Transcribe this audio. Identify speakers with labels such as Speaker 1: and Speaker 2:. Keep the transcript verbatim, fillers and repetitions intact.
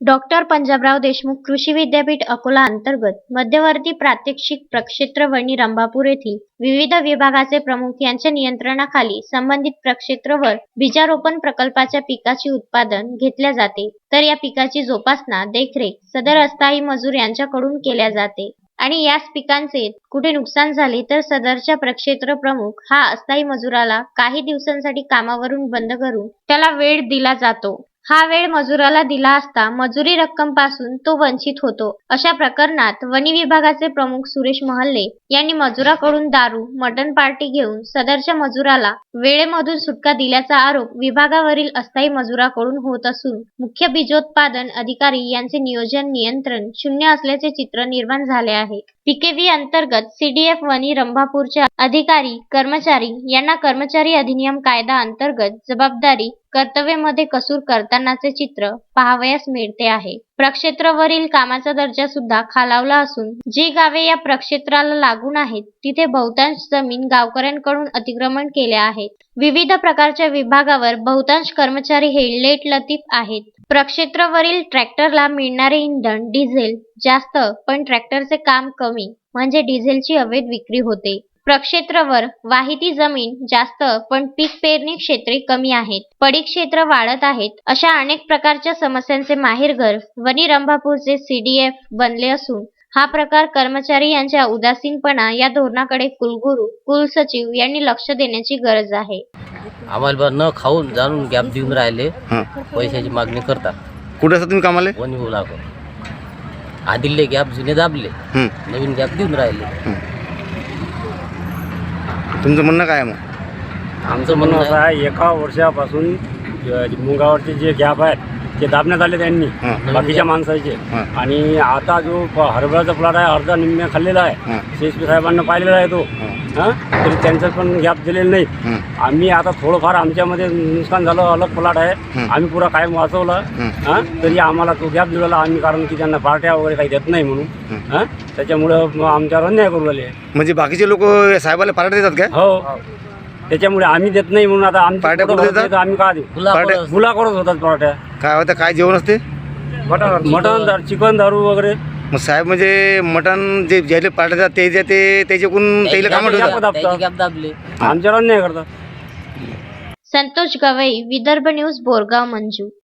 Speaker 1: Doctor Panjabrao Deshmukh कृषी विद्यापीठ अकोला अंतर्गत मध्यवर्ती प्रात्यक्षिक प्रक्षेत्र वणी रंभापूर येथील विविध विभागाचे प्रमुख यांच्या नियंत्रणाखाली संबंधित प्रक्षेत्रवर बीजारोपण प्रकल्पाच्या पिकाची उत्पादन घेतल्या जाते, तर या पिकाची जोपासना देखरेख सदर अस्थायी मजूर यांच्याकडून केल्या जाते आणि याच पिकांचे कुठे नुकसान झाले तर सदरच्या प्रक्षेत्र प्रमुख हा अस्थायी मजुराला काही दिवसांसाठी कामावरून बंद करून त्याला वेळ दिला जातो। हा वेळ मजुराला दिला असता मजुरी रक्कम पासून तो वंचित होतो। अशा प्रकरणात वनी विभागाचे प्रमुख सुरेश महल्ले यांनी मजुराकडून दारू मटण पार्टी घेऊन सदरच्या मजुराला वेळेमधून सुटका दिल्याचा आरोप विभागावरील अस्थायी मजुराकडून होत असून मुख्य बीजोत्पादन अधिकारी यांचे नियोजन नियंत्रण शून्य असल्याचे चित्र निर्माण झाले आहे। पीकेव्ही अंतर्गत सीडीएफ वनी रंभापूरचे अधिकारी कर्मचारी यांना कर्मचारी अधिनियम कायदा अंतर्गत जबाबदारी कर्तव्यामध्ये कसूर करतानाचे चित्र पाहावयास मिळते आहे। प्रक्षेत्रावरील कामाचा दर्जा सुद्धा खालावला असून जी गावे या प्रक्षेत्राला लागून आहेत तिथे बहुतांश जमीन गावकऱ्यांकडून अतिक्रमण केल्या आहेत। विविध प्रकारच्या विभागावर बहुतांश कर्मचारी हे लेट लतीफ आहेत। प्रक्षेत्रावरील ट्रॅक्टरला मिळणारे इंधन डिझेल जास्त पण ट्रॅक्टरचे काम कमी म्हणजे डिझेलची अवैध विक्री होते। प्रक्षेत्रावर वाहिती जमीन जास्त पण पीक पेरणी क्षेत्रे कमी आहेत, पडीक क्षेत्र वाढत आहेत, अशा अनेक प्रकारच्या समस्यांचे माहेरघर वनी रंभापूरचे सीडीएफ बनले असून हा प्रकार कर्मचारी यांच्या उदासीनपणा या धोरणाकडे कुलगुरू कुलसचिव यांनी लक्ष देण्याची गरज आहे।
Speaker 2: आम्हाला न खाऊन जाणून गॅप देऊन राहिले, पैशाची मागणी करतात।
Speaker 3: कुठे असता तुम्ही कामाले?
Speaker 2: वनी बोलाको आदिले गॅप जुने दाबले, नवीन गॅप देऊन राहिले।
Speaker 3: तुमचं म्हणणं काय मग?
Speaker 4: आमचं म्हणणं असं आहे, एका वर्षापासून मुंगावरचे जे गॅप आहेत ते दाबण्यात आले त्यांनी बाकीच्या माणसाचे, आणि आता जो हरभऱ्याचा प्लॉट आहे अर्धा निम्म्या खाल्लेला आहे, सीएसपी साहेबांना पाहिलेला आहे तो, हां तरी त्यांचं पण गॅप दिलेलं नाही। आम्ही आता थोडंफार आमच्यामध्ये नुकसान झालं, अलग प्लॉट आहे, आम्ही पुरा कायम वाचवला, हां तरी आम्हाला तो गॅप दिलेला आम्ही, कारण की त्यांना पार्ट्या वगैरे काही देत नाही म्हणून, हां त्याच्यामुळं आमच्यावर अन्याय करू राहिले।
Speaker 3: म्हणजे बाकीचे लोक साहेबाला पार्ट्या देतात काय?
Speaker 4: हो, त्याच्यामुळे आम्ही देत नाही म्हणून आता आम्ही
Speaker 3: पार्ट्या कुठे देतात?
Speaker 4: आम्ही का देऊ? गुला करत होतात पार्ट्या।
Speaker 3: काय होतं, काय जेवण असते?
Speaker 4: मटण, चिकन, दारू वगैरे।
Speaker 3: मग साहेब म्हणजे मटण जे ज्याला पार्ट्या देतात ते ते त्याच्याकडून त्याला कामं ठेवतात,
Speaker 4: आमच्यावर अन्याय करतात।
Speaker 1: संतोष गवई, विदर्भ न्यूज, बोरगाव मंजू।